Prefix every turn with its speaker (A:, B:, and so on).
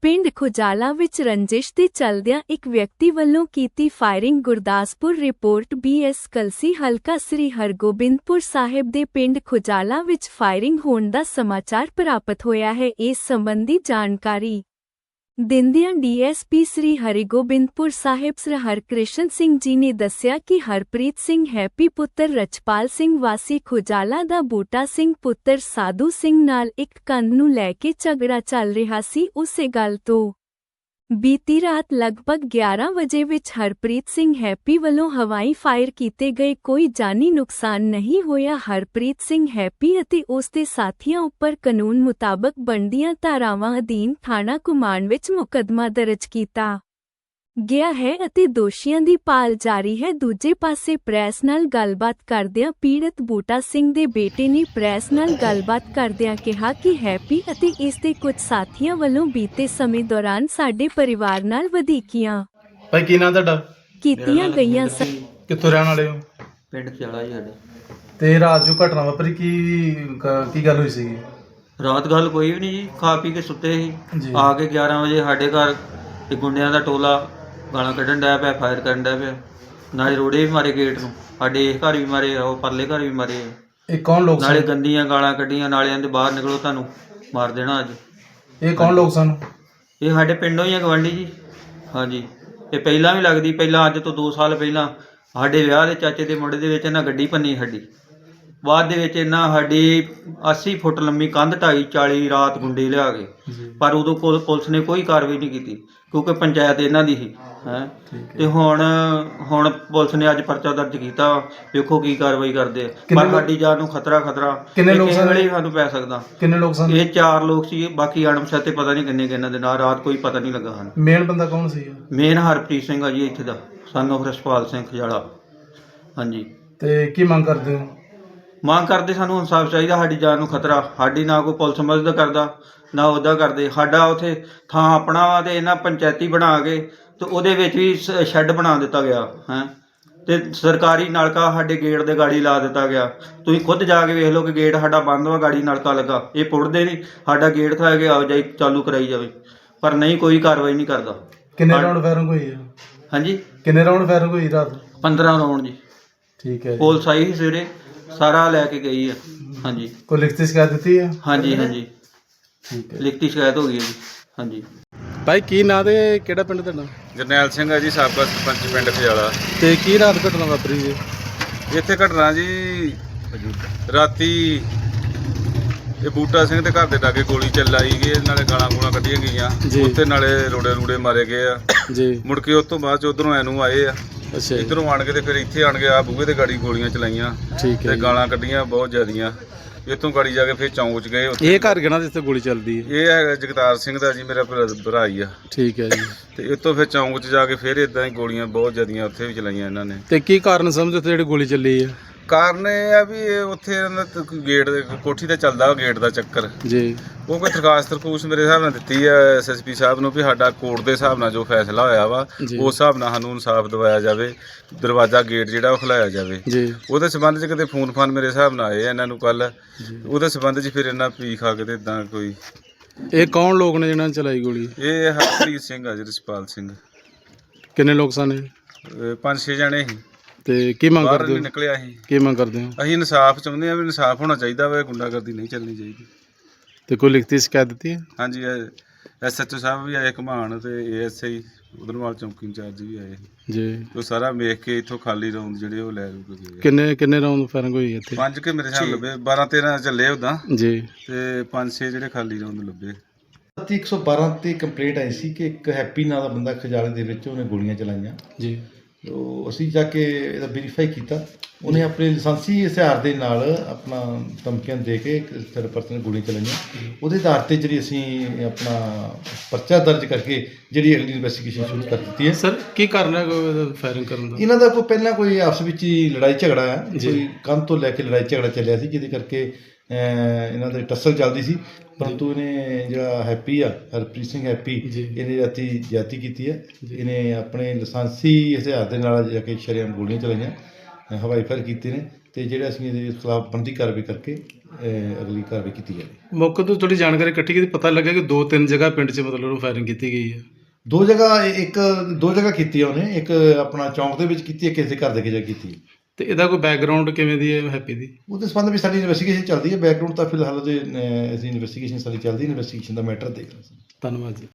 A: ਪਿੰਡ ਖੁਜਾਲਾ ਵਿੱਚ ਰੰਜਿਸ਼ ਦੇ ਚਲਦਿਆਂ ਇੱਕ ਵਿਅਕਤੀ ਵੱਲੋਂ ਕੀਤੀ firing. Gurdaspur report BS Kalsi ਹਲਕਾ ਸ੍ਰੀ ਹਰਗੋਬਿੰਦਪੁਰ ਸਾਹਿਬ ਦੇ ਪਿੰਡ ਖੁਜਾਲਾ ਵਿੱਚ ਫਾਇਰਿੰਗ ਹੋਣ ਦਾ ਸਮਾਚਾਰ ਪ੍ਰਾਪਤ ਹੋਇਆ ਹੈ। ਇਸ ਸੰਬੰਧੀ ਜਾਣਕਾਰੀ ਦਿੰਦਿਆਂ DSP ਸ੍ਰੀ ਹਰਿਗੋਬਿੰਦਪੁਰ ਸਾਹਿਬ ਸ੍ਰ ਹਰਕ੍ਰਿਸ਼ਨ ਸਿੰਘ ਜੀ ਨੇ ਦੱਸਿਆ ਕਿ ਹਰਪ੍ਰੀਤ ਸਿੰਘ ਹੈਪੀ ਪੁੱਤਰ ਰਛਪਾਲ ਸਿੰਘ ਵਾਸੀ ਖੁਜਾਲਾ ਦਾ ਬੂਟਾ ਸਿੰਘ ਪੁੱਤਰ ਸਾਧੂ ਸਿੰਘ ਨਾਲ ਇੱਕ ਕੰਧ ਨੂੰ ਲੈ ਕੇ ਝਗੜਾ ਚੱਲ ਰਿਹਾ ਸੀ। ਉਸੇ ਗੱਲ ਤੋਂ ਬੀਤੀ ਰਾਤ ਲਗਭਗ 11 ਵਜੇ ਵਿੱਚ ਹਰਪ੍ਰੀਤ ਸਿੰਘ ਹੈਪੀ ਵੱਲੋਂ ਹਵਾਈ ਫਾਇਰ ਕੀਤੇ ਗਏ। ਕੋਈ ਜਾਨੀ ਨੁਕਸਾਨ ਨਹੀਂ ਹੋਇਆ। ਹਰਪ੍ਰੀਤ ਸਿੰਘ ਹੈਪੀ ਅਤੇ ਉਸ ਦੇ ਸਾਥੀਆਂ ਉੱਪਰ ਕਾਨੂੰਨ ਮੁਤਾਬਕ ਬਣਦੀਆਂ ਧਾਰਾਵਾਂ ਅਧੀਨ ਥਾਣਾ ਘੁਮਾਣ ਵਿੱਚ ਮੁਕੱਦਮਾ ਦਰਜ ਕੀਤਾ ਗਿਆ ਹੈ ਅਤੇ ਦੋਸ਼ੀਆਂ ਦੀ ਭਾਲ ਜਾਰੀ ਹੈ। ਦੂਜੇ ਪਾਸੇ ਪ੍ਰੈਸ ਨਾਲ ਗੱਲਬਾਤ ਕਰਦਿਆਂ ਪੀੜਤ ਬੂਟਾ ਸਿੰਘ ਦੇ ਬੇਟੇ ਨੇ ਪ੍ਰੈਸ ਨਾਲ ਗੱਲਬਾਤ ਕਰਦਿਆਂ ਕਿਹਾ ਕਿ ਹੈਪੀ ਅਤੇ ਇਸ ਦੇ ਕੁਝ ਸਾਥੀਆਂ ਵੱਲੋਂ ਬੀਤੇ ਸਮੇਂ ਦੌਰਾਨ ਸਾਡੇ ਪਰਿਵਾਰ ਨਾਲ ਵਧੀਕੀਆਂ
B: ਭਾਈ ਕੀ ਨਾਂ ਤੁਹਾਡਾ?
A: ਕੀਤੀਆਂ ਗਈਆਂ ਸਨ।
B: ਕਿੱਥੋਂ ਰਹਿਣ ਵਾਲੇ ਹੋ?
C: ਪਿੰਡ ਖਿਆਲਾ ਜੀ ਸਾਡਾ।
B: ਤੇ ਰਾਤ ਜੋ ਘਟਨਾ ਵਾਪਰੀ ਕੀ ਗੱਲ ਹੋਈ ਸੀਗੀ?
C: ਰਾਤ ਗੱਲ ਕੋਈ ਵੀ ਨਹੀਂ ਜੀ, ਖਾ ਪੀ ਕੇ ਸੁੱਤੇ
B: ਜੀ।
C: ਸੀ। ਆ ਕੇ 11 ਵਜੇ ਸਾਡੇ ਘਰ ਇੱਕ ਗੁੰਡਿਆਂ ਦਾ ਟੋਲਾ ਗਾਲਾਂ ਕੱਢਣ ਡਿਆ ਪਿਆ, ਫਾਇਰ ਕਰਨ ਡਿਆ ਪਿਆ। ਨਾਲੇ ਰੋੜੇ ਵੀ ਮਾਰੇ ਗੇਟ ਨੂੰ, ਸਾਡੇ ਇਸ ਘਰ ਵੀ ਮਾਰੇ, ਉਹ ਪਰਲੇ ਘਰ ਵੀ ਮਾਰੇ।
B: ਇਹ ਕੌਣ ਲੋਕ
C: ਨਾਲੇ
B: ਸਨ?
C: ਗੰਦੀਆਂ ਗਾਲਾਂ ਕੱਢੀਆਂ, ਨਾਲੇ ਕਹਿੰਦੇ ਬਾਹਰ ਨਿਕਲੋ ਤੁਹਾਨੂੰ ਮਾਰ ਦੇਣਾ ਅੱਜ।
B: ਇਹ ਕੌਣ ਲੋਕ ਸਨ?
C: ਇਹ ਸਾਡੇ ਪਿੰਡੋਂ ਹੀ ਆ, ਗਵਾਂਢੀ ਜੀ। ਹਾਂਜੀ, ਇਹ ਪਹਿਲਾਂ ਵੀ ਲੱਗਦੀ, ਪਹਿਲਾਂ ਅੱਜ ਤੋਂ 2 ਸਾਲ ਪਹਿਲਾਂ ਸਾਡੇ ਵਿਆਹ ਦੇ ਚਾਚੇ ਦੇ ਮੁੰਡੇ ਦੇ ਵਿੱਚ ਇਹਨਾਂ ਗੱਡੀ ਭੰਨੀ ਸਾਡੀ। ਬਾਅਦ ਦੇ ਵਿੱਚ ਇਹਨਾਂ ਸਾਡੀ 80 ਫੁੱਟ ਲੰਮੀ ਕੰਧ ਢਾਈ 40 ਰਾਤ ਗੁੰਡੇ ਲਿਆ ਕੇ, ਪਰ ਉਦੋਂ ਪੁਲਿਸ ਨੇ ਕੋਈ ਕਾਰਵਾਈ ਨਹੀਂ ਕੀਤੀ ਕਿਉਂਕਿ ਪੰਚਾਇਤ ਇਹਨਾਂ ਦੀ ਸੀ ਹੈ। ਤੇ ਹੁਣ ਪੁਲਿਸ ਨੇ ਅੱਜ ਪਰਚਾ ਦਰਜ ਕੀਤਾ, ਵੇਖੋ ਕੀ ਕਾਰਵਾਈ ਕਰਦੇ ਆ। ਪਰ ਸਾਡੀ ਜਾਨ ਨੂੰ ਖਤਰਾ
B: ਕਿੰਨੇ ਲੋਕ ਸਨ?
C: ਵੇਲੇ ਸਾਨੂੰ ਪੈ ਸਕਦਾ।
B: ਕਿੰਨੇ ਲੋਕ ਸਨ?
C: ਇਹ 4 ਲੋਕ ਸੀ, ਬਾਕੀ ਅਣਪਛਾਤੇ ਪਤਾ ਨਹੀਂ ਕਿੰਨੇ ਕਿੰਨਾਂ ਦੇ ਨਾਲ। ਰਾਤ ਕੋਈ ਪਤਾ ਨਹੀਂ ਲੱਗਾ ਸਾਨੂੰ।
B: ਮੇਨ ਬੰਦਾ ਕੌਣ ਸੀ?
C: ਮੇਨ ਹਰਪ੍ਰੀਤ ਸਿੰਘ ਆ ਜੀ, ਇੱਥੇ ਦਾ ਸਨ ਆਫ ਰਛਪਾਲ ਸਿੰਘ ਖਜਾਲਾ। ਹਾਂਜੀ।
B: ਤੇ ਕੀ ਮੰਗ ਕਰਦੇ ਹੋ?
C: ਮੰਗ ਕਰਦੇ ਸਾਨੂੰ ਇਨਸਾਫ ਚਾਹੀਦਾ। ਸਾਡੀ ਜਾਨ ਨੂੰ ਖਤਰਾ, ਸਾਡੀ ਨਾ ਕੋਈ ਪੁਲਿਸ ਮਦਦ ਕਰਦਾ ਨਾ ਉਹਦਾ ਕਰਦੇ। ਸਾਡਾ ਉੱਥੇ ਥਾਂ ਆਪਣਾ ਵਾ ਤੇ ਇਹਨਾਂ ਪੰਚਾਇਤੀ ਬਣਾ ਕੇ ਤੇ ਉਹਦੇ ਵਿੱਚ ਵੀ ਸ਼ੈੱਡ ਬਣਾ ਦਿੱਤਾ ਗਿਆ ਹੈ ਤੇ ਸਰਕਾਰੀ ਨਲਕਾ ਸਾਡੇ ਗੇਟ ਦੇ ਗਾੜੀ ਲਾ ਦਿੱਤਾ ਗਿਆ। ਤੁਸੀਂ ਖੁਦ ਜਾ ਕੇ ਵੇਖ ਲਓ ਕਿ ਗੇਟ ਸਾਡਾ ਬੰਦ ਵਾ, ਗਾੜੀ ਨਲਕਾ ਲੱਗਾ। ਇਹ ਪੁੱਟਦੇ ਨਹੀਂ, ਸਾਡਾ ਗੇਟ ਖਾ ਕੇ ਆਵਾਜਾਈ ਚਾਲੂ ਕਰਾਈ ਜਾਵੇ, ਪਰ ਨਹੀਂ, ਕੋਈ ਕਾਰਵਾਈ ਨਹੀਂ ਕਰਦਾ।
B: ਕਿੰਨੇ ਰਾਉਂਡ ਫਾਇਰਿੰਗ ਹੋਈ ਹੈ?
C: ਹਾਂਜੀ,
B: ਕਿੰਨੇ ਰਾਉਂਡ ਫਾਇਰਿੰਗ ਹੋਈ ਰਾਤ?
C: 15 ਰਾਉਂਡ ਜੀ।
B: ਠੀਕ ਹੈ।
C: ਪੁਲਿਸ ਆਈ ਸੀ ਸਵੇਰੇ, ਸਾਰਾ ਲੈ ਕੇ ਗਈ ਹੈ। ਹਾਂਜੀ।
B: ਕੋਈ ਲਿਖਤੀ ਸ਼ਿਕਾਇਤ ਦਿੱਤੀ ਹੈ?
C: ਹਾਂਜੀ ਹਾਂਜੀ,
B: ਠੀਕ ਹੈ।
C: ਲਿਖਤੀ ਸ਼ਿਕਾਇਤ ਹੋ ਗਈ ਹੈ ਜੀ। ਹਾਂਜੀ।
B: ਭਾਈ ਕੀ ਨਾਂ ਤੇ ਕਿਹੜਾ ਪਿੰਡ ਤੁਹਾਡਾ?
D: ਜਰਨੈਲ ਸਿੰਘ ਹੈ ਜੀ, ਸਾਬਕਾ ਸਰਪੰਚ ਪਿੰਡ ਖਜਾਲਾ।
B: ਤੇ ਕੀ ਰਾਤ ਘਟਨਾ ਵਾਪਰੀ ਜੀ?
D: ਇੱਥੇ ਘਟਨਾ ਜੀ ਰਾਤੀ ਇਹ ਬੂਟਾ ਸਿੰਘ ਦੇ ਘਰ ਦੇ ਲਾਗੇ ਗੋਲੀ ਚਲਾਈ ਗਈ, ਨਾਲੇ ਗਾਲਾਂ ਗੂਲਾਂ ਕੱਢੀਆਂ ਗਈਆਂ ਉੱਤੇ, ਨਾਲੇ ਰੋੜੇ ਮਾਰੇ ਗਏ ਆ ਜੀ। ਮੁੜ ਕੇ ਉਸ ਤੋਂ ਬਾਅਦ ਚ ਉਧਰੋਂ ਐਨੂੰ ਆਏ ਆ। ਅੱਛਾ। ਇੱਧਰੋਂ ਆਣ ਕੇ ਤੇ ਫਿਰ ਇੱਥੇ ਆਣ ਕੇ ਆ ਬੂਹੇ ਤੇ ਗਾੜੀ ਗੋਲੀਆਂ ਚਲਾਈਆਂ ਤੇ ਗਾਲਾਂ ਕੱਢੀਆਂ ਬਹੁਤ ਜ਼ਿਆਦੀਆਂ। ਇੱਥੋਂ ਗਾੜੀ ਜਾ ਕੇ ਫਿਰ ਚੌਂਕ 'ਚ ਗਏ। ਇਹ ਘਰ ਕਿਹਨਾਂ ਜਿੱਥੇ ਗੋਲੀ ਚੱਲਦੀ ਹੈ? ਇਹ ਹੈਗਾ ਜਗਤਾਰ ਸਿੰਘ ਦਾ ਜੀ, ਮੇਰਾ ਭਰਾ ਹੀ ਆ। ਠੀਕ ਹੈ ਜੀ। ਤੇ ਇੱਥੋਂ ਫਿਰ ਚੌਂਕ 'ਚ ਜਾ ਕੇ ਫਿਰ ਇਦਾਂ ਹੀ ਗੋਲੀਆਂ ਬਹੁਤ ਜ਼ਿਆਦੀਆਂ ਉੱਥੇ ਵੀ ਚਲਾਈਆਂ ਇਹਨਾਂ ਨੇ। ਤੇ ਕੀ ਕਾਰਨ ਸਮਝਦੇ ਉੱਥੇ ਜਿਹੜੀ ਗੋਲੀ ਚੱਲੀ ਹੈ? ਕਾਰਨ ਇਹ ਆ ਵੀ ਉੱਥੇ ਇਹਨਾਂ ਦਾ ਗੇਟ ਦੇ ਕੋਠੀ ਤੇ ਚੱਲਦਾ ਗੇਟ ਦਾ ਚੱਕਰ ਜੀ। ਉਹ ਕੋਈ ਦਰਖਾਸਤ ਮੇਰੇ ਹਿਸਾਬ ਨਾਲ ਦਿੱਤੀ ਆ SSP ਸਾਹਿਬ ਨੂੰ ਵੀ ਸਾਡਾ ਕੋਰਟ ਦੇ ਹਿਸਾਬ ਨਾਲ ਜੋ ਫੈਸਲਾ ਹੋਇਆ ਵਾ ਉਸ ਹਿਸਾਬ ਨਾਲ ਸਾਨੂੰ ਇਨਸਾਫ ਦਿਵਾਇਆ ਜਾਵੇ, ਦਰਵਾਜ਼ਾ ਗੇਟ ਜਿਹੜਾ ਉਹ ਖੁਲਾਇਆ ਜਾਵੇ ਜੀ। ਉਹਦੇ ਸੰਬੰਧ 'ਚ ਕਿਤੇ ਫੋਨ ਮੇਰੇ ਹਿਸਾਬ ਨਾਲ ਆਏ ਇਹਨਾਂ ਨੂੰ ਕੱਲ, ਉਹਦੇ ਸੰਬੰਧ 'ਚ ਫਿਰ ਇਹਨਾਂ ਪੀ ਖਾ ਕੇ ਤੇ ਇਦਾਂ ਕੋਈ। ਇਹ ਕੌਣ ਲੋਕ ਨੇ ਜਿਹਨਾਂ ਨੇ ਚਲਾਈ ਗੋਲੀ? ਇਹ ਹਰਪ੍ਰੀਤ ਸਿੰਘ ਆ ਜੀ, ਰਛਪਾਲ ਸਿੰਘ। ਕਿੰਨੇ ਲੋਕ ਸਨ? 5-6 ਜਣੇ ਸੀ। ਤੇ ਕੀ ਮੰਗ ਕਰਦੇ ਹੋ? ਨਿਕਲਿਆ ਸੀ। ਕੀ ਮੰਗ ਕਰਦੇ ਹੋ? ਅਸੀਂ ਇਨਸਾਫ ਚਾਹੁੰਦੇ ਹਾਂ ਵੀ ਇਨਸਾਫ ਹੋਣਾ ਚਾਹੀਦਾ ਵਾ, ਗੁੰਡਾਗਰਦੀ ਨਹੀਂ ਚੱਲਣੀ ਚਾਹੀਦੀ। ਤੇ ਕੋਈ ਲਿਖਤੀ ਸ਼ਿਕਾਇਤ ਦਿੱਤੀ ਹੈ? ਹਾਂਜੀ, SHO ਸਾਹਿਬ ਵੀ ਆਏ ਘੁਮਾਣ ਤੇ ASI ਉਧਰਵਾਲ ਚੌਂਕੀ ਇੰਚਾਰਜ ਵੀ ਆਏ ਜੀ। ਉਹ ਸਾਰਾ ਵੇਖ ਕੇ ਇੱਥੋਂ ਖਾਲੀ ਰਾਉਂਡ ਜਿਹੜੇ ਉਹ ਲੈ ਗਏ। ਕਿੰਨੇ ਰਾਉਂਡ ਫਾਇਰਿੰਗ ਹੋਈ ਇੱਥੇ? 5 ਕੇ ਮੇਰੇ ਹਿਸਾਬ ਲੱਭੇ, 12-13 ਚੱਲੇ ਉਦਾਂ ਜੀ, ਤੇ 5-6 ਜਿਹੜੇ ਖਾਲੀ ਰਾਉਂਡ ਲੱਭੇ।
E: 112 ਤੇ ਕੰਪਲੇਂਟ ਆਈ ਸੀ ਕਿ ਇੱਕ ਹੈਪੀ ਨਾਂ ਦਾ ਬੰਦਾ ਖਜਾਲੇ ਦੇ ਵਿੱਚ ਉਹਨੇ ਗੋਲੀਆਂ ਚਲਾਈਆਂ ਜੀ। ਉਹ ਅਸੀਂ ਜਾ ਕੇ ਇਹਦਾ ਵੈਰੀਫਾਈ ਕੀਤਾ। ਉਹਨੇ ਆਪਣੇ ਲਾਇਸੈਂਸੀ ਹਥਿਆਰ ਦੇ ਨਾਲ ਆਪਣਾ ਧਮਕੀਆਂ ਦੇ ਕੇ ਇੱਕ ਥਰਡ ਪਰਸਨ ਨੇ ਗੋਲੀਆਂ ਚਲਾਈਆਂ। ਉਹਦੇ ਆਧਾਰ 'ਤੇ ਜਿਹੜੀ ਅਸੀਂ ਆਪਣਾ ਪਰਚਾ ਦਰਜ ਕਰਕੇ ਜਿਹੜੀ ਅਗਲੀ ਇਨਵੈਸਟੀਗੇਸ਼ਨ ਸ਼ੁਰੂ ਕਰ ਦਿੱਤੀ ਹੈ। ਸਰ ਕੀ ਕਾਰਨ ਹੈ ਫਾਇਰਿੰਗ ਕਰਨ ਦਾ? ਇਹਨਾਂ ਦਾ ਕੋਈ ਪਹਿਲਾਂ ਕੋਈ ਆਪਸ ਵਿੱਚ ਹੀ ਲੜਾਈ ਝਗੜਾ ਆ, ਕੋਈ ਕੰਧ ਤੋਂ ਲੈ ਕੇ ਲੜਾਈ ਝਗੜਾ ਚੱਲਿਆ ਸੀ, ਜਿਹਦੇ ਕਰਕੇ ਇਹਨਾਂ ਦੀ ਟੱਸਲ ਚੱਲਦੀ ਸੀ। ਪਰੰਤੂ ਇਹਨੇ ਜਿਹੜਾ ਹੈਪੀ ਆ, ਹਰਪ੍ਰੀਤ ਸਿੰਘ ਹੈਪੀ, ਇਹਨੇ ਰਾਤੀ ਜ਼ਿਆਦਤੀ ਕੀਤੀ ਹੈ। ਇਹਨੇ ਆਪਣੇ ਲਾਇਸੈਂਸੀ ਹਥਿਆਰ ਦੇ ਨਾਲ ਜਾ ਕੇ ਸ਼ਰੇਆਮ ਗੋਲੀਆਂ ਚਲਾਈਆਂ ਹਵਾਈ ਫਾਇਰ ਕੀਤੇ ਨੇ ਤੇ ਜਿਹੜੇ ਅਸੀਂ ਇਹਦੇ ਖਿਲਾਫ ਬਣਦੀ ਕਾਰਵਾਈ ਕਰਕੇ ਅਗਲੀ ਕਾਰਵਾਈ ਕੀਤੀ ਜਾਵੇ।
F: ਮੌਕੇ ਤੋਂ ਥੋੜੀ ਜਾਣਕਾਰੀ ਇਕੱਠੀ ਕੀਤੀ, ਪਤਾ ਲੱਗਾ ਕਿ 2-3 ਜਗ੍ਹਾ ਪਿੰਡ 'ਚ ਮਤਲਬ ਫਾਇਰਿੰਗ ਕੀਤੀ ਗਈ ਹੈ।
E: ਦੋ ਜਗ੍ਹਾ ਕੀਤੀ ਆ ਉਹਨੇ, ਇੱਕ ਆਪਣਾ ਚੌਂਕ ਦੇ ਵਿੱਚ ਕੀਤੀ ਹੈ, ਕਿਸੇ ਦੇ ਘਰ ਦੇ ਕੇ ਜਾ ਕੀਤੀ।
F: ਤੇ ਇਹਦਾ ਕੋਈ ਬੈਕਗ੍ਰਾਉਂਡ ਕਿਵੇਂ ਦੀ ਹੈ ਹੈਪੀ ਦੀ?
E: ਉਹਦੇ ਸੰਬੰਧ ਵਿੱਚ ਸਾਡੀ ਇਨਵੈਸਟੀਗੇਸ਼ਨ ਚੱਲਦੀ ਹੈ। ਬੈਕਗ੍ਰਾਉਂਡ ਤਾਂ ਫਿਲਹਾਲ ਉਹਦੇ ਅਸੀਂ ਇਨਵੈਸਟੀਗੇਸ਼ਨ ਸਾਡੀ ਚੱਲਦੀ, ਇਨਵੈਸਟੀਗੇਸ਼ਨ ਦਾ ਮੈਟਰ ਦੇਖ ਰਹੇ ਸੀ।
F: ਧੰਨਵਾਦ ਜੀ।